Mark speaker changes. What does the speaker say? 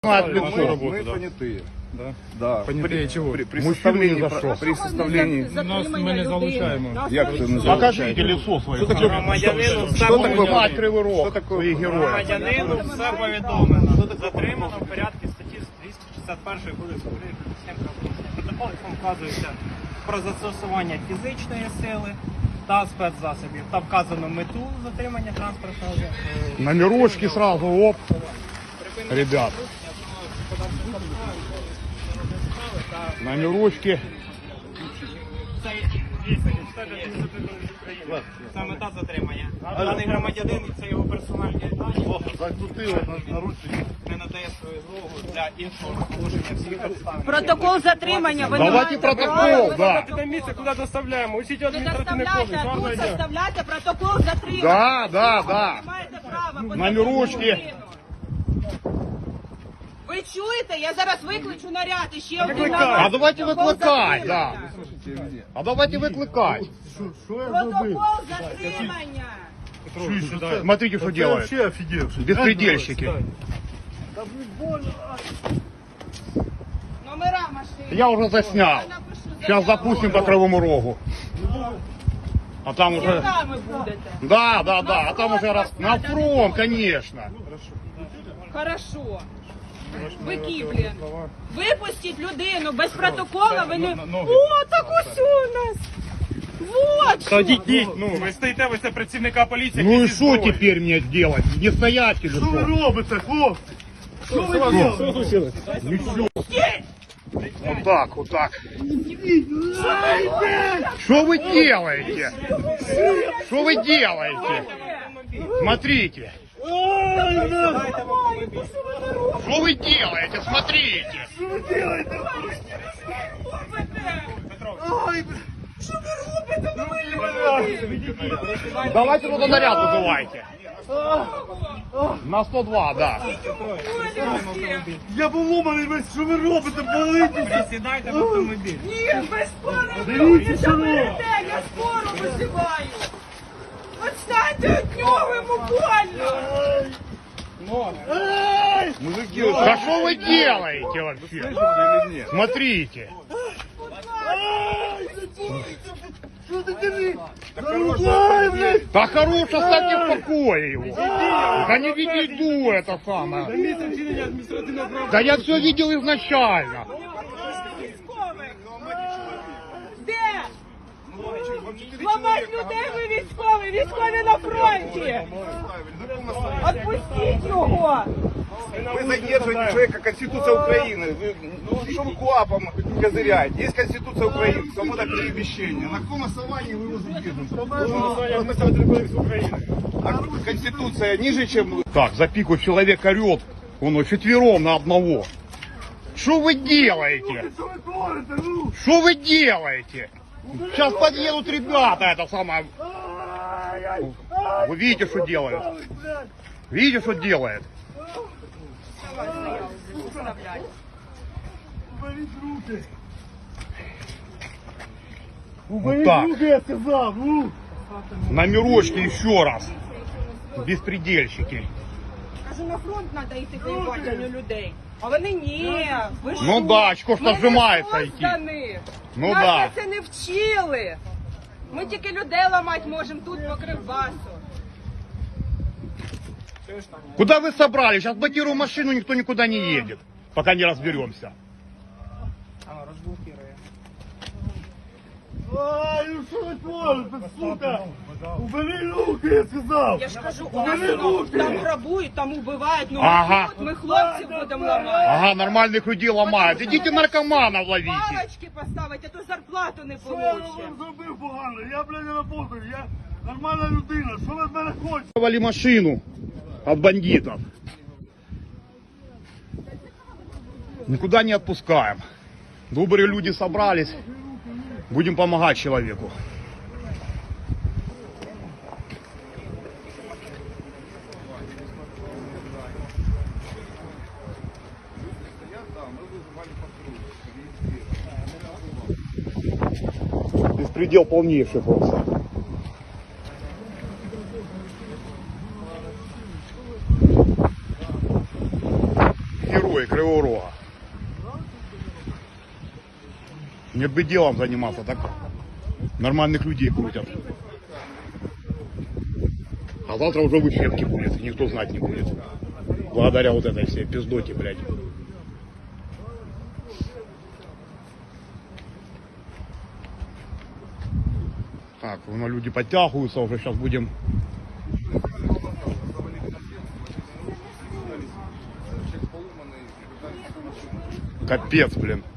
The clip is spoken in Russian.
Speaker 1: Мы понятые.
Speaker 2: Да?
Speaker 1: Да.
Speaker 2: Понятые чего?
Speaker 1: При составлении...
Speaker 2: Ми не залучаємо.
Speaker 1: Як це називається?
Speaker 3: Покажите лицо свое.
Speaker 1: Що таке
Speaker 3: Мать Кривий Рог, своїх героїв.
Speaker 4: Громадянину все повідомлено. Затримано в порядку статті 261 Кодексу України про адміністративне правопорушення. Протокол, якому вказується про застосування фізичної сили та спецзасобів. Та вказано мету затримання транспортного засобу.
Speaker 3: Номерочки сразу, оп. Ребят. Номерочки.
Speaker 4: Це мета затримання. Даний громадянин і це його персональні дані.
Speaker 1: Закрутили наручники.
Speaker 4: Не надає свою згоду для іншого положення всіх обставин.
Speaker 5: Протокол затримання. Ви не
Speaker 3: Давайте
Speaker 5: маєте
Speaker 3: протокол, да.
Speaker 2: Це місце, куди доставляємо. Усі
Speaker 5: Ви доставляйте, а тут составляйте протокол затримання.
Speaker 3: Да.
Speaker 5: Ви маєте право. по
Speaker 3: Номерочки.
Speaker 5: закону. Ви чуєте? Я зараз викличу наряд і ще один
Speaker 3: А давайте
Speaker 5: протокол
Speaker 3: викликай,
Speaker 5: затримання.
Speaker 3: да. А давайте выкликать.
Speaker 5: Протокол затримання.
Speaker 3: Смотрите, что делают.
Speaker 1: Вообще офигевший.
Speaker 3: Беспредельщики.
Speaker 5: Номера машини.
Speaker 3: Я уже заснял.
Speaker 5: Я напишу
Speaker 3: Сейчас
Speaker 5: заяву.
Speaker 3: запустим по Кривому Рогу. А там уже...
Speaker 5: Свідками будете.
Speaker 3: Да. А там уже раз... На фронт, конечно.
Speaker 5: Хорошо. Бики, блін. Випустіть людину без протокола, ви не... О, так ось у нас. Вот.
Speaker 2: Та діть, ну, ви стоїте, ви це працівника поліції.
Speaker 3: Ну и что теперь мне делать? Не стоять или
Speaker 1: Що ви
Speaker 3: что?
Speaker 1: робите, хлопці? Що ви робите?
Speaker 3: Ничего. Вот так. Что вы делаете? Что вы делаете? Смотрите. Что вы делаете? Смотрите. Давайте туда наряд вызывайте. На 102, да.
Speaker 1: Я поломаний весь, що ви робите, болите?
Speaker 4: Сідайте в автомобіль.
Speaker 5: Ні, без скору
Speaker 1: Дивіться, що ви.
Speaker 5: я скору визиваю. Отстаньте від нього, йому больно.
Speaker 1: Мужики,
Speaker 3: Да что вы делаете вообще? Смотрите.
Speaker 1: що ти дивись? Зарубай, блядь!
Speaker 3: Да хорош, оставьте в покое его. Да не веду это самое. Да я все видел изначально.
Speaker 5: Де? Ламать людей ви військові, військові на фронті. Отпустіть його.
Speaker 1: Вы задерживаете человека, Конституция Украины. Вы, что вы КУАПом козыряете? Есть Конституция Украины, свобода перемещения. На каком основании вы его задерживаете? А Конституция ниже, чем...
Speaker 3: Так, за пику человек орет. Он четвером на одного. Что вы делаете? Что вы делаете? Сейчас подъедут ребята, это самое. Вы видите, что делают? Видите, что делает? Вот так.
Speaker 1: я сказал,
Speaker 3: Номерочки еще раз. Беспредельщики.
Speaker 5: Кажу, на фронт треба йти воювати, а не людей. А вони ні. Ви
Speaker 3: Ну
Speaker 5: що?
Speaker 3: да, очко ж
Speaker 5: Ми
Speaker 3: нажимається
Speaker 5: не
Speaker 3: йти.
Speaker 5: создані.
Speaker 3: Ну
Speaker 5: Нас
Speaker 3: да.
Speaker 5: це не вчили. Ми тільки людей ламати можемо тут по Кривбасу.
Speaker 3: Куда вы собрались? Сейчас блокируем машину, никто никуда не едет. Пока не разберемся.
Speaker 1: Ай, ну що ви творите, сука? Убери руки, я сказав!
Speaker 5: Я ж кажу,
Speaker 1: Убери
Speaker 5: Осно,
Speaker 1: руки!
Speaker 5: там грабують, там убивають. Ну
Speaker 3: Ага.
Speaker 5: ми хлопців будемо ламати.
Speaker 3: Ага, нормальных людей ломают. Идите наркоманов ловите.
Speaker 5: Палочки поставити, а то зарплату не
Speaker 1: Що я
Speaker 5: получимо.
Speaker 1: вам зробив погано? Я, блядь, не работаю, я нормальна людина, що ви від мене хочете?
Speaker 3: Вали машину от бандитов. Никуда не отпускаем. Добрые люди собрались. Будем помогать человеку. Беспредел полнейший просто. Герой. Кривого Рога. Нет бы делом заниматься, так нормальных людей крутят. А завтра уже в эфирке будет, и никто знать не будет. Благодаря вот этой всей пиздоте, блядь. Так, ну, люди подтягиваются, уже сейчас будем. Капец, блин.